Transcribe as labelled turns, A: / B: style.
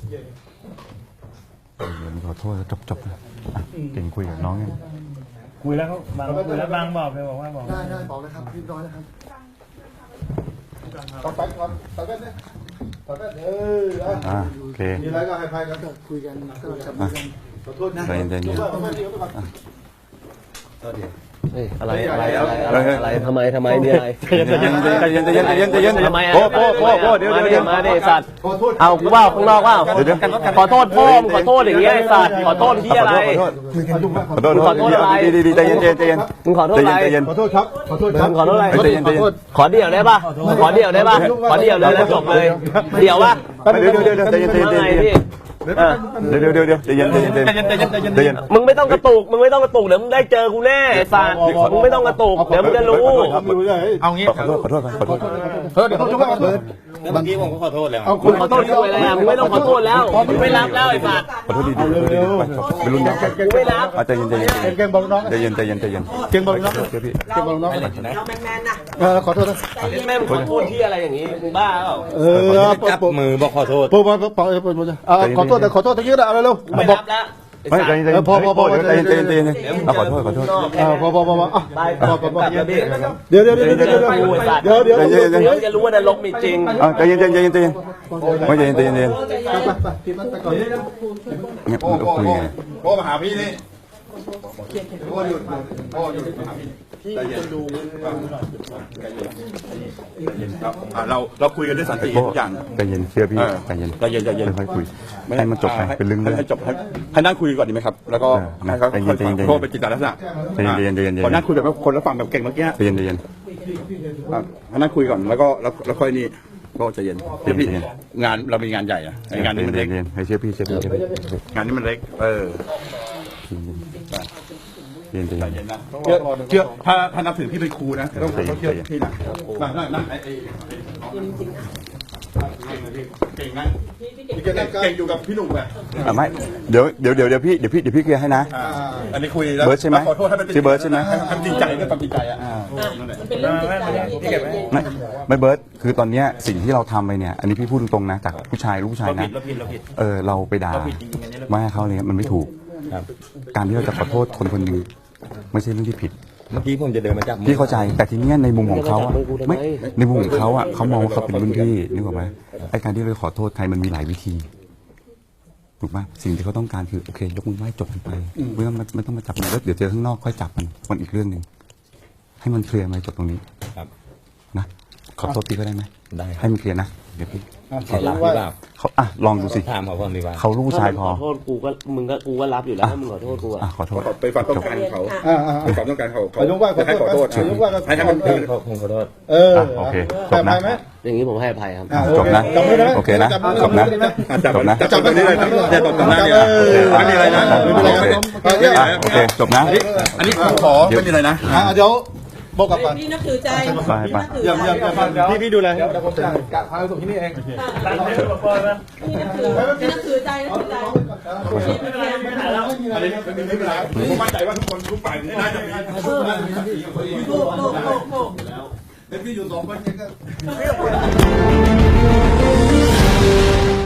A: ขอโทษจบนะเก่งคุยกับน้องยัง
B: คุยแล้วเขาบางคุยแล้วบางบอกเลยบอกว่าบอก
C: ได้บอกนะครับเรียบร้อยนะครับต่อไปก่อนต่อไปเนี่ยต่อไป
A: โอเค
C: มีอะไรก็ให้พายกันคุยกันก็จับมือกันขอโทษนะ
A: ใจเย็น
D: อะไรทำไมมีอะไร
A: ใจเย็น
D: ทำไม
A: โป้เดี๋ยว
D: มาดิสัตว์เอากูว่าข้างนอกว่าขอโทษพ่อมึงขอโทษอย่างเงี้ยไอ้สัตว์ขอโทษที่อะไร
A: ขอโทษอะไรดีใจเย็น
D: มึงขอโทษอะไร
C: ขอโทษครับขอโทษครับ
D: ขอโทษอะไรขอเดี่ยวได้ป่ะขอเดี่ยวเลยแล้วจบเลยเดี่ยวป่ะ
A: เดี๋ยวใจเย็นใจเย็น
D: มึงไม่ต้องกระตุกเดี๋ยวมึงได้เจอกูแน่ไอ้สัตว์มึงไม่ต้องกระตุกเดี๋ยวมึงจะรู้
A: เอางี้ขอโทษ
C: เดี๋ยวเขาจุ๊บกัน
B: เมื่อกี้ผมก็ขอโทษแล้ว
D: มึงขอโทษกูอะไรมึงไม่ต้องขอโทษแล้วมึงไม่รับแล้วไอ้สัตว์
A: ขอโทษดีไปรุ่นน้อง
D: ไม่รับ
A: ใจเย็น
C: เก่งบอลน้อง
A: ใจเย็น
C: เก่งบอลน้อง
A: พี่
C: เก่งบอลน้อง
D: เราแมนนะ
C: ขอโทษนะ
D: แม่มึงขอโทษที่อะไรอย่างงี้มึงบ้าเปล่า
B: จับมือบอกขอโทษ
C: ขอโทษตะกี้นะเอาเร็ว
D: ไม่รับแล้ว
A: ไม่ใจเย็นพอใจเย็นขอโทษ
C: พอเดี๋ยว
D: จะรู้ว่านรกมีจริง
A: ใจเย็นไม่ใจเย็นเนี่ยคุยไง
B: พ่อมาหาพี่นี่พ่อหยุดมาหาพี่เราคุยกันด้วยสันติทุกอย่าง
A: ใจเย็นเชื่อพี่ใจเย็นค่อยคุยให้มันจบไปเป็นเรื่อง
B: ให้จบให้นั่งคุยก่อนดีไหมครับแล้วก็ให้เขาโทษเป็นจิตลักษณะ
A: ใจเย็น
B: พอนั่งคุยแบบคนละฝั่งแบบเก่งเมื่อกี้
A: ใจเย็น
B: ให้นั่งคุยก่อนแล้วค่อยนี่ก็ใจเย็นงานเรามีงานใหญ่อะงานนี้มันเล็ก
A: ให้เชื่อพี่
B: งานนี้มันเล็ก
A: เย็น
B: นะเชื่อถ้านับถือพี่เป็นครูนะต้องเชื่อพี่นะนั่งเก่งนะเก่งอยู่กับพี่หนุ่มไง
A: ไม่เดี๋ยวพี่เคลียร์ให้นะ
B: อันนี้คุยแล้ว
A: เบิร์ดใช่ไหมชื่อเบิร์ดใช่ไหม
B: ทำจริงใจก็ทำจริงใจอ่ะ
A: ไม่เบิร์ดคือตอนนี้สิ่งที่เราทำไปเนี่ยอันนี้พี่พูดตรงๆนะจากลูกชายนะเราไปด่าว่าเขาเนี่ยมันไม่ถูกการที่เราจะขอโทษคนหนึ่งไม่ใช่เรื่องที่ผิด
B: เมื่อกี้ผมจะเดินมาจับ
A: พี่เข้าใจแต่ทีนี้ในมุมของเขาไม่ในมุมของเขาเขามองว่าเขาเป็นรุ่นพี่นึกออกไหมไอ้การที่เราขอโทษใครมันมีหลายวิธีถูกไหมสิ่งที่เขาต้องการคือโอเคยกมือไหว้จบกันไปไม่ต้องมาจับมันแล้วเดี๋ยวเจอข้างนอกค่อยจับมันอีกเรื่องหนึ่งให้มันเคลียร์มาจบตรงนี้นะขอโทษพี่ก็ได้ไหมได้ให้มันเคลียร์นะเดี๋ยวพี่
B: เขารับหรือเปล่า
A: เขาลองดูสิ
B: ถามเขาก่อนดีกว่า
A: เขาลูกชายพอ
D: ขอโทษกูก็รับอยู่แล้วมึงขอโทษกู
A: ขอโทษ
B: ไปฝันต้องการเขาไปฝันต้องการเขา
C: ให้ขอโทษ
B: ให้มันผมขอโทษ
A: โอเคจบนะ
D: อย่างนี้ผมให้อภัยครับ
A: จบนะโอเคนะจบนะ
B: จับตรงนี้เลยจะตบตรงหน้าเนี่ยไม่มีอะไรนะ
A: โอเคจบนะ
B: อันนี้ผมขอไม่มีอะไรนะ
C: เดี๋ยวบอกกับ
E: พี่นับถือใจ
C: อย่าพี่ดูแลเดี๋ยวผมจะกะพาไปส่งที่นี่เอง
E: พี่นับถือใจ
B: ไม่เป็นไรผมมั่นใจว่าทุกคนทุกฝ่ายน่าจะมี
C: พี่อยู่2 คนเองก็